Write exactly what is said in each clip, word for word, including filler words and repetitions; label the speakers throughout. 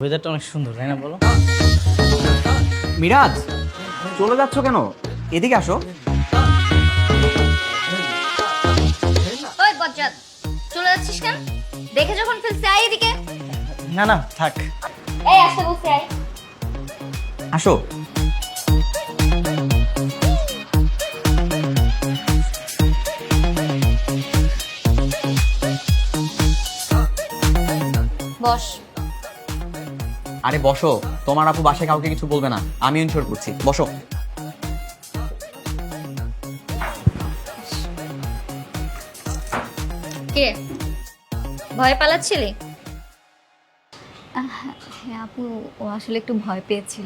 Speaker 1: ওয়েদারটা অনেক সুন্দর তাই না বলো?
Speaker 2: মিরাজ চলে যাচ্ছ কেন? এদিকে আসো।
Speaker 3: ওই বজ্জাত, চলে যাচ্ছিস কেন? দেখে যখন ফেলছে আয় এদিকে।
Speaker 1: না না থাক।
Speaker 3: এই আসতে বলছি আয়।
Speaker 2: আসো।
Speaker 3: বস।
Speaker 2: আরে বসো, তোমার আপু বাসায় কাউকে কিছু বলবে না, আমি ইনশোর করছি। বসো।
Speaker 3: কে ভয় পালাচ্ছিলি?
Speaker 4: হ্যাঁ আপু, ও আসলে একটু ভয় পেয়েছিল।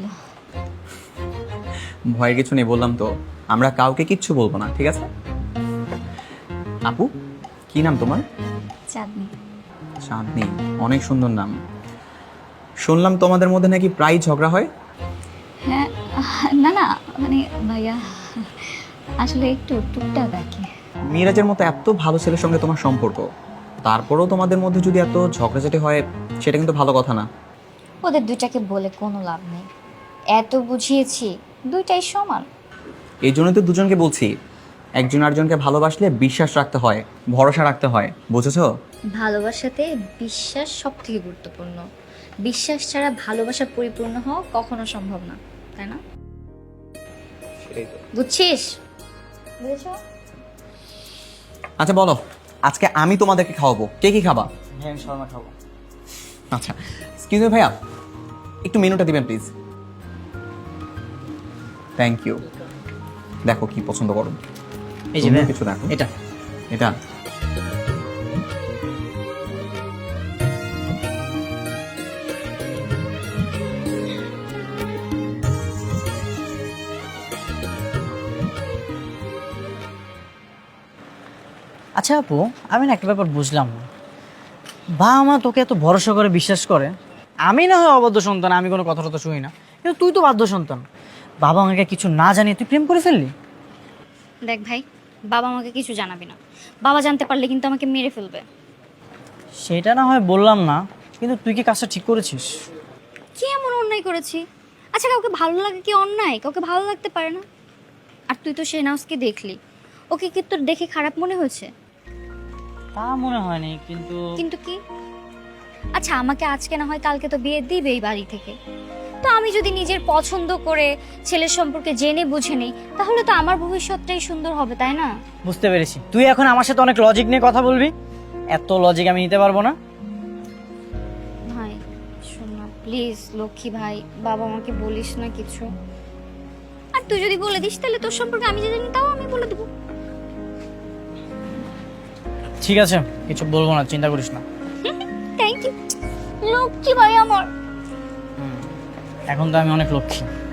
Speaker 2: ভয়ের কিছু নেই বললাম তো, আমরা কাউকে কিচ্ছু বলবো না, ঠিক আছে? আপু কি নাম তোমার?
Speaker 4: চাঁদনি।
Speaker 2: চাঁদনি, অনেক সুন্দর নাম। শুনলাম তোমাদের মধ্যে নাকি প্রায় ঝগড়া হয়।
Speaker 4: হ্যাঁ, না না মানে ভাইয়া আসলে একটু টুকটাক আর কি।
Speaker 2: মিরাজের মতো এত ভালো ছেলের সঙ্গে তোমার সম্পর্ক, তারপরেও তোমাদের মধ্যে যদি এত ঝগড়াঝাটি হয় সেটা কিন্তু ভালো কথা না।
Speaker 3: ওদের দুইটাকে বলে কোনো লাভ নেই, এত বুঝিয়েছি দুইটাই সমান।
Speaker 2: এই জন্যই তো দুজনকে বলছি, একজন আরেকজনকে ভালোবাসলে বিশ্বাস রাখতে হয়, ভরসা রাখতে হয়, বুঝেছো?
Speaker 3: ভালোবাসাতে বিশ্বাস সব থেকে গুরুত্বপূর্ণ। বিশ্বাস ছাড়া ভালোবাসা পরিপূর্ণ হওয়া কখনো সম্ভব না, তাই না? বুঝছিস? বুঝেছো?
Speaker 2: আচ্ছা বলো, আজকে আমি তোমাদেরকে খাওয়াবো, কে কি খাবা?
Speaker 1: হ্যাঁ আমি শর্মা খাবো।
Speaker 2: আচ্ছা এক্সকিউজ মি ভাইয়া, একটু মেনুটা দিবেন প্লিজ। Thank you. দেখো কি পছন্দ করো।
Speaker 1: এই যে
Speaker 2: তুমিও
Speaker 1: ভাইয়া,
Speaker 2: কিছু দেখো।
Speaker 1: এটা
Speaker 2: এটা
Speaker 1: আচ্ছা আপু, আমি না একটা ব্যাপার বুঝলাম না। বাবা মা তোকে এত ভরসা করে বিশ্বাস করে, আমি না হয় অবাধ্য সন্তান, আমি কোনো কথা টথা শুনি না, কিন্তু তুই তো বাধ্য সন্তান। বাবা আমাকে কিছু না জানিয়ে তুই প্রেম করে ফেললি।
Speaker 3: দেখ ভাই, বাবা আমাকে কিছু জানাবি না। বাবা জানতে পারলে কিন্তু আমাকে মেরে ফেলবে।
Speaker 1: সেটা না হয় বললাম না, কিন্তু তুই কি কাজটা ঠিক করেছিস?
Speaker 3: কি এমন অন্যায় করেছি? আচ্ছা, কাউকে ভালো লাগে কি অন্যায়? কাউকে ভালো লাগতে পারে না। আর তুই তো শেহনাজকে দেখলি, ওকে কি তোর দেখে খারাপ মনে হয়েছে?
Speaker 1: তা মনে হয়নি, কিন্তু
Speaker 3: কিন্তু কি? আচ্ছা, আমাকে আজকে না হয় কালকে তো বিয়ে দিবে এই বাড়ি থেকে। তো আমি যদি নিজের পছন্দ করে ছেলের সম্পর্কে জেনে বুঝে নিই, তাহলে তো আমার ভবিষ্যৎটাই সুন্দর হবে, তাই না?
Speaker 1: বুঝতে পেরেছি, তুই এখন আমার সাথে অনেক লজিক নিয়ে কথা বলবি। এত লজিক আমি নিতে পারবো না।
Speaker 3: ভাই শোন না প্লিজ, লক্ষ্মী ভাই, বাবা আমাকে বলিস না কিছু। আর তুই যদি বলে দিস তাহলে তোর সম্পর্কে আমি যে জানি তাও আমি বলে দেবো।
Speaker 1: ঠিক আছে, কিছু বলবো না, চিন্তা করিস না।
Speaker 3: থ্যাংক ইউ লক্ষ্মী ভাই আমার।
Speaker 1: এখন তো আমি অনেক লক্ষ্মী।